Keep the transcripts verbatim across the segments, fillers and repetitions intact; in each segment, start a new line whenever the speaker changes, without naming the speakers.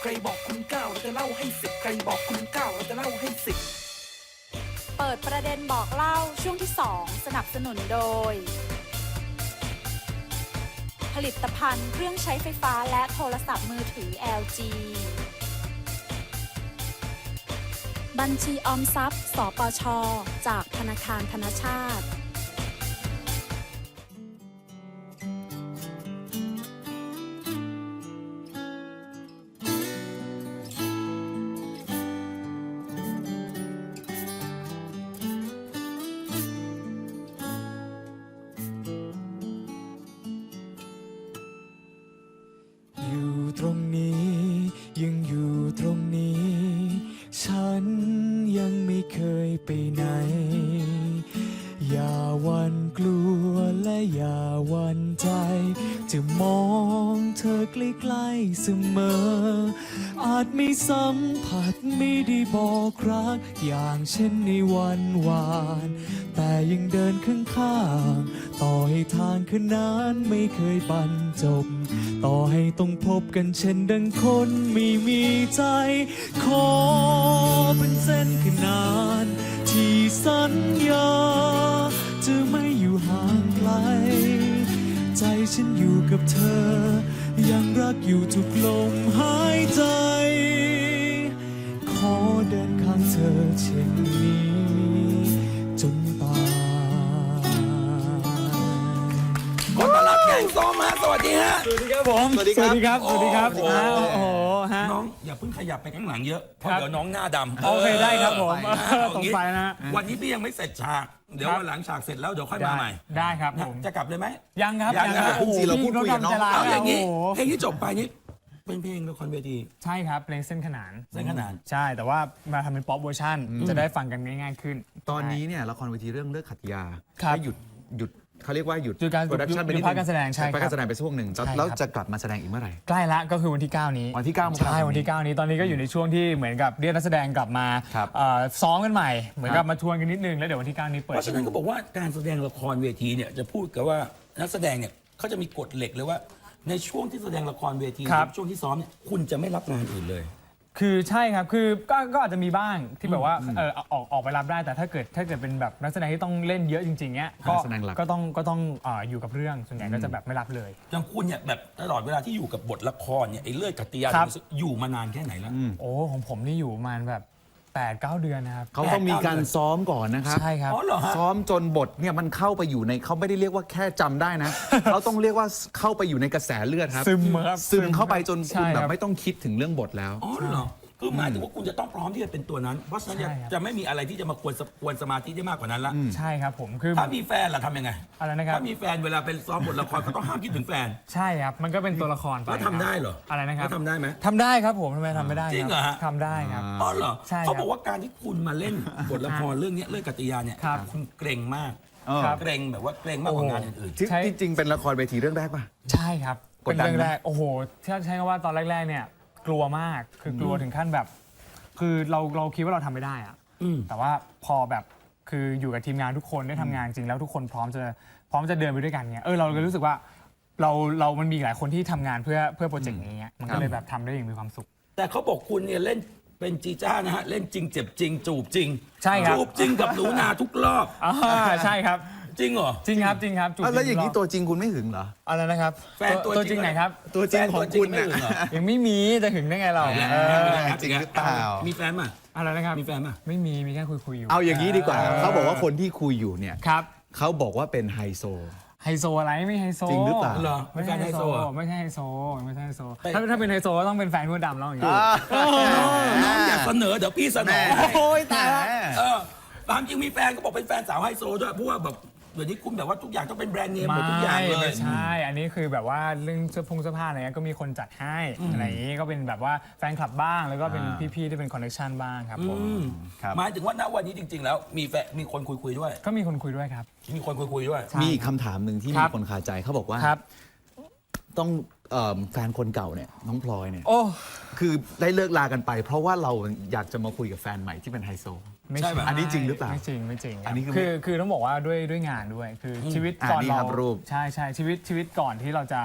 ใครบอกคุณเก้าเราจะเล่าให้สิบใครบอกคุณเก้าเราจะเล่าให้สิบ
เปิดประเด็นบอกเล่าช่วงที่สองสนับสนุนโดยผลิตภัณฑ์เครื่องใช้ไฟฟ้าและโทรศัพท์มือถือ แอล จี บัญชีออมทรัพย์ สปช.จากธนาคารธนชาติ
อยู่ตรงนี้ยังอยู่ตรงนี้ ฉันยังไม่เคยไปไหน อย่าหวั่นกลัวและอย่าหวั่นใจ จะมองเธอใกล้ๆเสมอ อาจไม่สัมผัสไม่ได้บอกรัก อย่างเช่นในวันวาน แต่ยังเดินข้างๆต่อให้ทางคืนนั้นไม่เคยบรรจบ ต่อให้ต้องพบกันเช่นดังคนไม่มีใจ ขอเป็นเส้นขนานที่สัญญาจะไม่อยู่ห่างไกล ใจฉันอยู่กับเธอ ยังรักอยู่ทุกลมหายใจ ขอเดินข้างเธอเช่นนี้จนตาย
ขอต้อนรับแกงส้มฮะสวัสดีฮะ
สวัสดีครับผม
สวัสดีครับ
สวัสดีครับ สวัสดีครับ
โอ้โห
โอ้โหฮะ
น้องอย่าเพิ่งขยับไปข้างหลังเยอะเพราะ
ครับ
เดี๋ยวน้องหน้าดำ
โอเคได้ครับผม
เออ
เออ
เอา
ตรง
งี้
ไปนะฮะ
วันนี้พี่ยังไม่เสร็จฉาก เดี๋ยว
ครับ
วันหลังฉากเสร็จแล้วเดี๋ยวค่อย
ได้
มาใหม่
ได้ครับผม
จะกลับเลยไหม
ยังครับ
ยังนะ
ครับโอ้โห
จริงๆเราพูดคุยกับน้อง
พี่
เอาอย่าง
นี้
นี้
โอ้โห
เพลงที่จบไปนี่เป็นเพลงละครเวที
ใช่ครับเพลงเส้นขนาน
เส้นขนาน
ใช่แต่ว่ามาทำเป็นป๊อปเวอร์ชันจะได้ฟังกันง่ายๆขึ้น
ตอนนี้เนี่ยละครเวทีเรื่องเลิกขัดยา
ครับ
ก็หยุดหยุดเขาเรียกว่าหยุด
หยุดการ
โปรดักชัน
หยุด
ไปนิด
หยุดพักการแสดงใช่ครับ
พักการแสดงไปช่วงหนึ่ง
ใช่ครับ
แล้วจะกลับมาแสดงอีกเมื่อไหร่
ใกล้ละก็คือวันที่ เก้า นี้
วันที่เก้ามกราคม
ใช่วันที่ เก้า นี้ตอนนี้ก็อยู่ในช่วงที่เหมือนกับเรียกนักแสดงกลับมา
ครับ
เอ่อซ้อมกันใหม่ เหมือน
ครั
กับบ มาทวนกันนิดนึงแล้วเดี๋ยววันที่ เก้า นี้เปิ
เพ
ด
ราะฉะนั้นก็บอกว่าการแสดงละครเวทีเนี่ยจะพูดกันว่านักแสดงเนี่ยเขาจะมีกฎเหล็กเลยว่า ในช่วงที่แสดงละครเวที
ครับ
ช่วงที่ซ้อมเนี่ยคุณจะไม่รับงานอื่นเลย
คือใช่ครับคือก็ก็อาจจะมีบ้างที่แบบว่าเออออกออกไปรับได้แต่ถ้าเกิดถ้าเกิดเป็นแบบนักแสดงที่ต้องเล่นเยอะจริงๆเนี้ยก็
นักแสดงหลัก
ก็ต้องก็ต้องเอ่ออยู่กับเรื่องส่วนใหญ่ก็จะแบบไม่รับเลย
อย่างคุณเนี่ยแบบตลอดเวลาที่อยู่กับบทละครเนี่ยไอ้เลือดกัตติยา
ครับ
อยู่มานานแค่ไหนแล้ว
โอ้ของผมนี่อยู่ประมาณแบบแปดเก้าเดือนนะครับ
เขาต้องมีการซ้อมก่อนนะครับ
ใช่ครับ
อ๋อเหรอฮะ
ซ้อมจนบทเนี่ยมันเข้าไปอยู่ในเขาไม่ได้เรียกว่าแค่จำได้นะ เขาต้องเรียกว่าเข้าไปอยู่ในกระแสเลือดครับ
ซึมครับ
ซึมเข้าไปจน
ใช่
คุณแบ
ครับ บ
ไม่ต้องคิดถึงเรื่องบทแล้ว
อ๋อเหรอคือหมายถึงว่าคุณจะต้องพร้อมที่จะเป็นตัวนั้น เพราะฉะนั้นจะ
ใช่ครับ
จะไม่มีอะไรที่จะมาควรสควรสมาธิได้มากกว่านั้นละ
ใช่ครับผมคือ
ถ้ามีแฟนล่ะทำยังไง
อะไรนะครับ
ถ้ามีแฟนเวลาเป็นซ้อมบทละครก็ต้องห้ามคิดถึงแฟน
ใช่ครับมันก็เป็นตัวละครไป
แล้วทำได้เหรอ
อะไรนะครับ
แล้วทำได้ไหม
ทำได้ครับผมทำไมทำไม่ได้
จริงเหรอฮะ
ทำได้ครับ
อ๋อเหรอ
ใช่ครับ
เขาบอกว่าการที่คุณมาเล่นบทละครเรื่องเนี้ยเรื่องกัตติยาเนี่ย
ครับ
คุณเกรงมาก
เออ
ครับ
เกรงแบบว่าเกรงมากกว่างานอื่น
ที่
ใช่
ที่จริงเป็นละครเวทีเรื่องแรกป่ะ
ใช่ครับ
ก
เป็
ด
น
ดัน
เรื่อง
ไหม
แรกโอ้โหถ้าใช้คำว่าตอนแรกๆเนี่ยกลัวมากคือกลัวถึงขั้นแบบ คือเราเราคิดว่าเราทำไม่ได้อะ
อืม
แต่ว่าพอแบบคืออยู่กับทีมงานทุกคนได้ทำงานจริงแล้วทุกคนพร้อมจะพร้อมจะเดินไปด้วยกันเนี่ยเออเราก็รู้สึกว่าเราเรามันมีหลายคนที่ทำงานเพื่อเพื่อโปรเจกต์นี้มันก็เลยแบบทำได้อย่างมีความสุข
ๆ แต่เขาบอกคุณเนี่ยเล่นเป็นจีจ้านะฮะเล่นจริงเจ็บจริง จูบจริง
ใช่ครับ
จูบจริงกับหนูนาทุกรอบ
อ่าใช่ครับ
จริงเหรอ
จริงครับจริงครับจูบ
อ่ะแล้วอย่างนี้
จริ
ตัวจริงคุณไม่หึงเหรอ
อะไรนะครับ
แฟนตัวจริง
ตัวจริงไหนครับ
ตัวจริงของคุณ
แฟนตัวจริงไม่
น่ะ
อื่นเหรอ
ยังไม่มีจะถึงได้ไงเรา
เอาอีกแล้ว
เออ
เอาอีกแล้ว
จริงหรือเปล่า
มีแฟนป่ะ
อะไรนะครับ
มีแฟนป่ะ
ไม่มีมีแค่คุยคุยๆอยู่
เอาอย่างนี้ดีกว่า เขาบอกว่าคนที่คุยอยู่เนี่ย
ครับ
เขาบอกว่าเป็นไฮโซ
ไฮโซอะไรไม่ไฮโซ
จริงหรือเปล่า
เหรอ
ไม่ใช่
แฟน
ไฮ
ไฮ
โซ
โซเหรอ
ไม่ใช่ไฮโซไม่ใช่ไฮโซ
แต่
ถ้าถ้าเป็นไฮโซก็ต้องเป็นแฟนคุณดำแล้วอย่างนี้
น้องอยากเสนอเดี๋ยวพี่เสนอ
โอ้ยตายแล้ว
เออตามจริงมีแฟนก็บอกเป็นแฟนสาวไฮโซด้วยเพราะว่าแบบเดี๋ยวนี้คุณแบบว่าทุกอย่างต้องเป็นแบรนด์เนมหมดทุกอย่างเล
ไม่
ย
ใช่ อันนี้คือแบบว่าเรื่องเสื้อผงเสื้อผ้าอะไรเงี้ยก็มีคนจัดให้อะไรอย่างนี้ก็เป็นแบบว่าแฟนคลับบ้างแล้วก็เป็น
อ่า
พี่ๆที่เป็นคอนเนคชั่นบ้างครับผม
อืม
ครับ
หมายถึงว่าณวันนี้จริง ๆ แล้วมีแฟนมีคนคุยคุยๆด้วย
ก็มีคนคุยด้วยครับ
มีคนคุยคุยๆด้วย
ใช่
มีอีกคำถามหนึ่งที่
ครั
มี
บ
คนคาใจเขาบอกว่า
ครับ
ต้องเอิ่มแฟนคนเก่าเนี่ยน้องพลอยเนี่ย
โอ้
คือได้เลิกลากันไป เพราะว่าเราอยากจะมาคุยกับแฟนใหม่ที่เป็นไฮโซ
ไม่
ใช่
ใช่
ปะ
อันนี้จริงหรือเปล่า
ไม่จริงไม่จริงครับ
อันนี้คือ
คือคือต้องบอกว่าด้วยด้วยงานด้วยคืออชีวิต
อ่า
ก่อน
นี่
เรา
ครับรูป
ใช่ใช่ชีวิตชีวิตก่อนที่เราจะ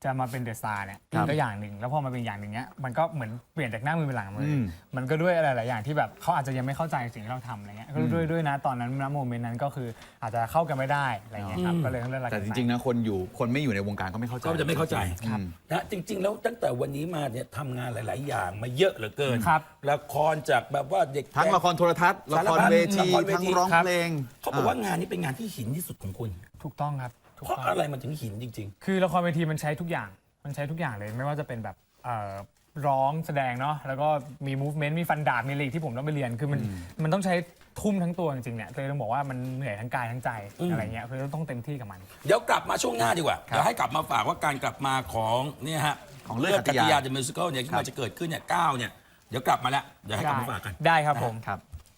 จะมาเป็นเดอะสตาร์เนี่ย
ครับ
ก็อย่างหนึ่งแล้วพอมาเป็นอย่างหนึ่งเนี้ยมันก็เหมือนเปลี่ยนจากหน้ามือเป็นหลังมืออ
ม
มันก็ด้วยอะไรหลายอย่างที่แบบเขาอาจจะยังไม่เข้าใจสิ่งที่เราทำอะไรเงี้ยก็ด้วยด้วยนะตอนนั้นณโมเมนต์นั้นก็คืออาจจะเข้ากันไม่ได้อะไรเงี้ยครับก็เลยต้องเลิกลา
แต่
กัน
จ
ไป
ริงๆนะคนอยู่คนไม่อยู่ในวงการก็ไม่เข้าใจ
ก็จะไม่เข้าใจ
ครับ
นะจริง ๆ แล้วตั้งแต่วันนี้มาเนี่ยทำงานหลาย ๆ อย่างมาเยอะเหลือเกิน
ครับ
ละครจากแบบว่าเด็ก
ทั้งละครโทรทัศน์ละครเวที
ละครเวที
ทั้งร้องเพลง
เขาบอกว่างานนี้เป็นงานที่หินที่สุดของคุณ
ถูกต้องครับถูก
เพราะ
ต้อง
อะไรมันถึงหินจริง
คือละครเวทีมันใช้ทุกอย่าง มันใช้ทุกอย่างเลย ไม่ว่าจะเป็นแบบเอ่อร้องแสดงเนาะ แล้วก็มี movement มีฟันดาบ มีอะไรอีกที่ผมต้องไปเรียน คือมันมันต้องใช้ทุ่มทั้งตัวจริงๆเนี่ยเลยต้องบอกว่ามันเหนื่อยทั้งกายทั้งใจอะไรเงี้ยคือต้องเต็มที่กับมัน
ๆ เดี๋ยวกลับมาช่วงหน้าดีกว่า เดี๋ยวให้กลับมาฝากว่าการกลับมาของเนี่ยฮะ
ของเลือด
กั
กั
ต
ต
ติ
ติ
ยาย
า
เดอะมิวสิคลเนี่ยที่มันจะเกิดขึ้นเนี่ยเก้าเนี่ยเดี๋ยวกลับมาแล้วเดี๋ยวให้กลับมาฝากกัน
ได้ครับผม
ครับ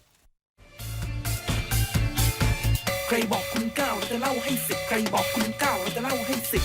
ใครบอกคุณเก้าเราจะเล่าให้สิบใครบอกคุณเก้าเราจะเล่าให้สิบ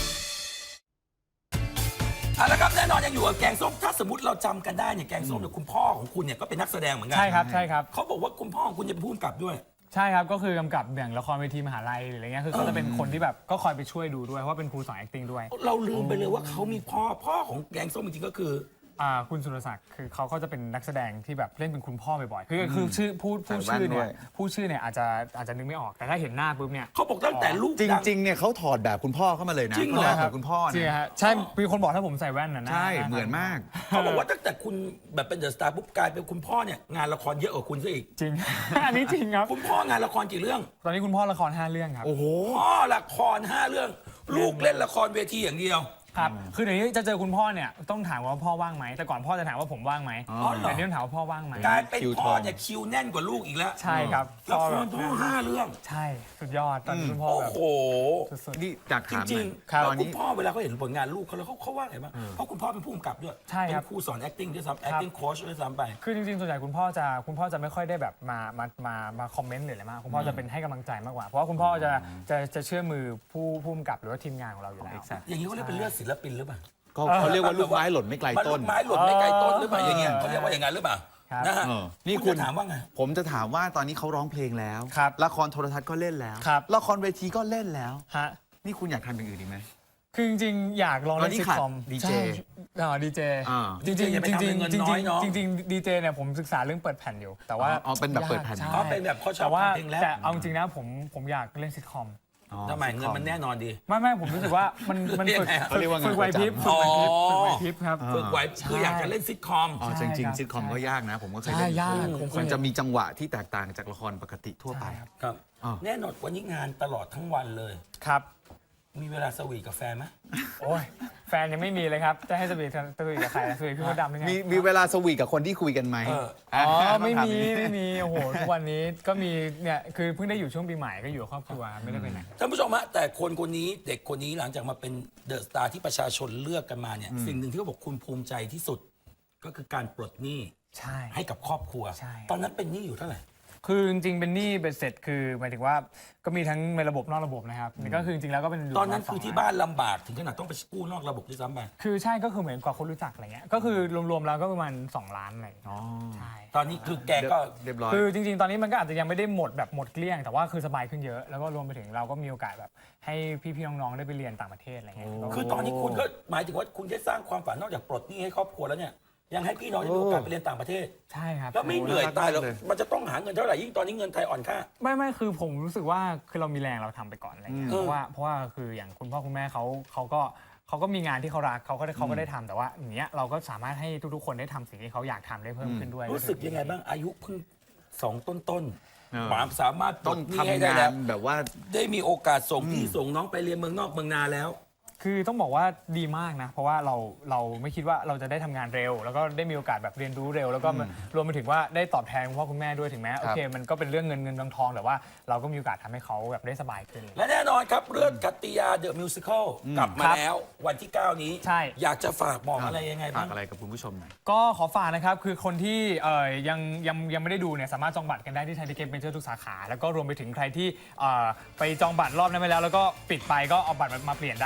เอาละครับแน่นอนยังอยู่กับแกงส้มถ้าสมมติเราจำกันได้เนี่ยแกงส้มเนี่ยคุณพ่อของคุณเนี่ยก็เป็นนักแสดงเหมือนกั
ใช่ครับ ใช่ครับ
เขาบอกว่าคุณพ่อของคุณจะเป็นผู้กำกับด้วย
ใช่ครับ ก็คือกำกับอย่างละครเวทีมหาลัยหรืออะไรเงี้ย คือเขาจะเป็นคนที่แบบก็คอยไปช่วยดูด้วย เพราะว่าเป็นครูสอน acting ด้วย
เราลืมไปเลยว่าเขามีพ่อพ่อของแกงส้มจริงๆก็คือ
อ่าคุณสุรศักดิ์คือเขาก็จะเป็นนักแสดงที่แบบเล่นเป็นคุณพ่อบ่อยๆ คือคือชื่อพูดพูด
ใส่แว่น
ชื่อเนี่
ด้วย ย
พูดชื่อเนี่ยอาจจะอาจจะนึกไม่ออก แต่ถ้าเห็นหน้าปุ๊บเนี่ย
เขาบอกตั้งแต่ลูก
จ
ดัง
ริงๆเนี่ยเขาถอดแบบคุณพ่อเข้ามาเลยนะ
จริงเหรอ
หน้าของคุณพ่อ
จริง
เนี่ย
ฮะใช่มีคนบอกถ้าผมใส่แว่นนะา
ใช่
า
เหมือนมาก
เขาบอกว่าตั้งแต่คุณแบบเป็นเดอะสตาร์ปุ๊บกลายเป็นคุณพ่อเนี่ยงานละครเยอะกว่าคุณซะอีก
จริง อันนี้จริงครับ
คุณพ่องานละครกี่เรื่อง
ตอนนี้คุณพ่อละครห้าเรื่องครับ
โอ้โห
พ่อละครห้าเรื่อง ลูกเล่นละครเวทีอย่างเดียว
ครับ คือเดี๋ยวนี้จะเจอคุณพ่อเนี่ยต้องถามว่าพ่อว่างไหม แต่ก่อนพ่อจะถามว่าผมว่างไหม
อ๋อเหรอ
แต่เดี๋ยวนี้ถามว่าพ่อว่างไหม
กลายเป็น
คิวทอง
พ่อเนี่ยคิวแน่นกว่าลูกอีกแล้ว
ใช่ครับ
ละค
แบ
ร
บ
พ่อห้าเรื่อง
ใช่ สุดยอด ตอนนี้คุณพ่อ
โอ้
แบบ
โห
สุด
นี่จาก
จ
ถามห
ริ
น่
ง
อย
ๆ
ครับ
แล้ว
ตอน
คุ
นี้
ณพ่อเวลาเขาเห็นผลงานลูกเขาแล้วเขาเขาว่าไงบ้างเพราะคุณพ่อเป็นผู้กำกับด้วย
ใช่ครับ
เป็นครูสอน acting ด้วยซ้ำ acting coach ด้วยซ้ำไป
คือจริงๆ ส่วนใหญ่คุณพ่อจะคุณพ่อจะไม่ค่อยได้แบบมามามามาคอมเมนต์หรืออะไรมากคุณพ่อจะเป็นให้กำลังใจมากกว่า เพราะว่าคุณพ่อจะจะจะเชื่อมือผู้ผู้กำกับหรือว่าทีมงานของเราอยู่แล้ว
Exact
อย่างนี้เขาเรียกเป็นเลือดศิลปินหรือเปล่า
ก็เขาเรียกว่าลูกไม้หล่นไม่ไกล
มัน
ต้
ลู
น
กไม้หล่นไม่ไกลต้นหรือเปล่า
เออ
อย่างเงี้ยเขาเรียกว่าอย่างนั้นหรือเปล่า
ครับ
นะฮะ
เออนี่
นี่
คุ
คุณ ณถามว่าไง
ผมจะถามว่าตอนนี้เขาร้องเพลงแล้ว
ครับ
ละครโทรทัศน์ก็เล่นแล้ว
ครับ
ละครเวทีก็เล่นแล้ว
ฮะ
นี่คุณอยากทำอย่างอื่นอีกไหม
คือจริงๆ อยากลอง
ตอ
เล่
น
น
นี้
ซิท
ขาด
คอม
ดีเจ
ใช่อ๋อดีเจ
อ่า
จริงๆจริง
อย่าไป
ๆ
ทำ
จริ
เป็น
ง
เงิน
จริง
น้อยเนอะ
จริงๆดีเจเนี่ยผมศึกษาเรื่องเปิดแผ่นอยู่ แต่ว่า
อ๋ออ๋อเป็นแบบเปิดแผ่น
ยาก
อ๋อ
ใช่
เป็นแบบเขาชอบ
แต่ว่า
ทำเพลงแรป
แต่เอาจริงๆนะผมผมอยากเล่นซิทคอม
อ๋อ
ทำไมเงินมันแน่นอนดี
ไม่ไม่ผมรู้สึกว่ามันมันฝึก
เรียกไงอะ
เขาเรียกว่าไง
ฝึกไหวพริบ
ประ
ฝึก
จำ
ไหวพริบ
อ๋อ
ฝึกไหวพริบครับ
ฝึกไว้คืออยากจะเล่นซิทคอม
อ๋อ
ใช่
จริง
ครับ
ๆซิทคอมก็ยากนะ ผมก็เคย
ใช่
เล่น
ยากผมเคย
มันจะมีจังหวะที่แตกต่างจากละครปกติทั่วไป
ใช่ครับ
ครับ
อ๋อ
แน่นอนวันนี้งานตลอดทั้งวันเลย
ครับ
มีเวลาสวีทกับแฟนไหม
โอ้ยแฟนยังไม่มีเลยครับ จะให้สวีทกันสวีทกับใครสวีทพี่มดดำยังไง
มีมีเวลาสวีทกับคนที่คุยกันไหม
เออ
อ๋อ
ต้อง
ไม่
ถา
มี
อย่างนี้
ไม่มีโอ้โหทุกวันนี้ก็มีเนี่ยคือเพิ่งได้อยู่ช่วงปีใหม่ก็อยู่กับครอบครัวไม่ได้ไปไหน
ท่านผู้ชมฮะแต่คนคนนี้เด็กคนนี้หลังจากมาเป็นเดอะสตาร์ที่ประชาชนเลือกกันมาเนี่ยสิ่งหนึ่งที่เขาบอกคุณภูมิใจที่สุด ก็คือการปลดหนี้
ใช่
ให้กับครอบครัว
ใช่
ตอนนั้นเป็นหนี้อยู่เท่าไหร่
คือจริงๆเป็นหนี้เบ็ดเสร็จคือหมายถึงว่าก็มีทั้งในระบบนอกระบบนะครับนี่ก็คือจริงๆแล้วก็เป็น
ตอนนั้นคือที่บ้านลำบากถึงขนาดต้องไปกู้นอกระบบด้วยซ้ำไป
คือใช่ก็คือเหมือนกว่าคนรู้จักอะไรเงี้ยก็คือรวมๆแล้วก็ประมาณสองล้านอะไร
อ๋อ
ใช่
ตอนนี้คือแกก็
เรียบร้อย
คือจริงๆ ตอนนี้มันก็อาจจะยังไม่ได้หมดแบบหมดเกลี้ยง แต่ว่าคือสบายขึ้นเยอะ แล้วก็รวมไปถึงเราก็มีโอกาสแบบให้พี่ๆ น้องๆ ได้ไปเรียนต่างประเทศอะไรเงี้ย
คือตอนนี้คุณก็หมายถึงว่าคุณได้สร้างความฝันนอกจากปลดหนี้ให้ครอบครัวแล้วเนี่ยยังให้พี่น้องได้มีโอกาสไปเรียนต่างประเทศ
ใช่ครับ
แล้วไม่เหนื่อยตายหรอก
เลย
มันจะต้องหาเงินเท่าไหร่ยิ่งตอนนี้เงินไทยอ่อนค่า
ไม่ไม่คือผมรู้สึกว่าคือเรามีแรงเราทำไปก่อนอะไรเงี้ย
อืม
เพราะว่าเพราะว่าคืออย่างคุณพ่อคุณแม่เขาเขาก็เขาก็มีงานที่เขารักเขาก็ได้เขาก็ได้ทำแต่ว่าอย่างเงี้ยเราก็สามารถให้ทุกๆ คนได้ทำสิ่งที่เขาอยากทำได้เพิ่มขึ้นด้วย
รู้สึกยังไงบ้างอายุเพิ่งสองต้นต้น
เออ
หมามสามารถปล
ต้อง
ดหนี้ให้
ทำ
ได้
งา
แล้
น
ว
แบบว่า
ได้มีโอกาสส่งพี่ส่งน้องไปเรียนเมืองนอกเมืองนาแล้ว
คือต้องบอกว่าดีมากนะ เพราะว่าเราเราไม่คิดว่าเราจะได้ทำงานเร็ว แล้วก็ได้มีโอกาสแบบเรียนรู้เร็ว แล้วก็มันรวมไปถึงว่าได้ตอบแทนคุณพ่อคุณแม่ด้วยถึงแม้โอเคมันก็เป็นเรื่องเงินเงินทองทองแต่ว่าเราก็มีโอกาสทำให้เขาแบบได้สบายขึ้น
และแน่นอนครับเรื่องกัตติยาเดอะมิวสิคลกลับมา
ครับ
แล้ววันที่ เก้า นี้
ใช่
อยากจะฝากบอกอะไรยังไง
ฝา
บ้าก ง
อะไรกับคุณผู้ชมหน่อย
ก็ขอฝากนะครับ คือคนที่เอ่ยยังยังยังไม่ได้ดูเนี่ยสามารถจองบัตรกันได้ที่ไทยทิเก็ตเมเจอร์ทุกสาขา แล้วก็รวมไปถึงใครที่เอ่อไปจองบัตรรอบนั้นไปแล้ว แล้วก็ปิดไปก็เอาบัตรมาเปลี่ยนได้แล้วเรา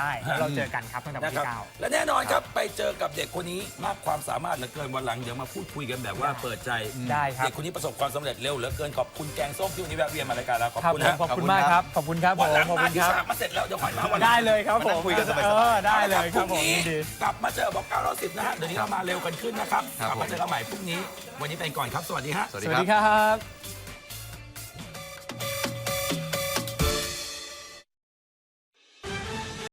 เราเจอกันครับตั้งแต่วัน
นะครับ
ที่เก้า
และแน่นอนครับไปเจอกับเด็กคนนี้มากความสามารถเหลือเกินวันหลังเดี๋ยวมาพูดคุยกันแบบว่าเปิดใจ
ได้ครับ
เด็กคนนี้ประสบความสำเร็จเร็วเหลือเกินขอบคุณแกงส้มที่วันนี้แวะเวียนมารายการเราขอบ
ครับ
คุณ
ผม
นะ
ขอบคุณมากครับขอบคุณครับผ
วัน
ม
หลัง
ขอบ
มา
คุณ
ที่
ครับ
ฉากมาเสร็จแล้วเดี๋ยวค่อยมาวันหลัง
ได้เลยครับผม
คุยกันสบายๆ
เออได้เลยครับ
พ
ผ
รุ่
ม
งนี้
ยินดี
กลับมาเจอบอกเก้าร้อยสิบนะฮะเดี๋ยวนี้เรามาเร็วกันขึ้นนะครับ
ครับ
กลับมาเจอกันใหม่พรุ่งนี้ วันนี้ไปก่อนครับสวัสดีฮะ
สวัส
ส
ดี
วัส
ครับ
ดีครับ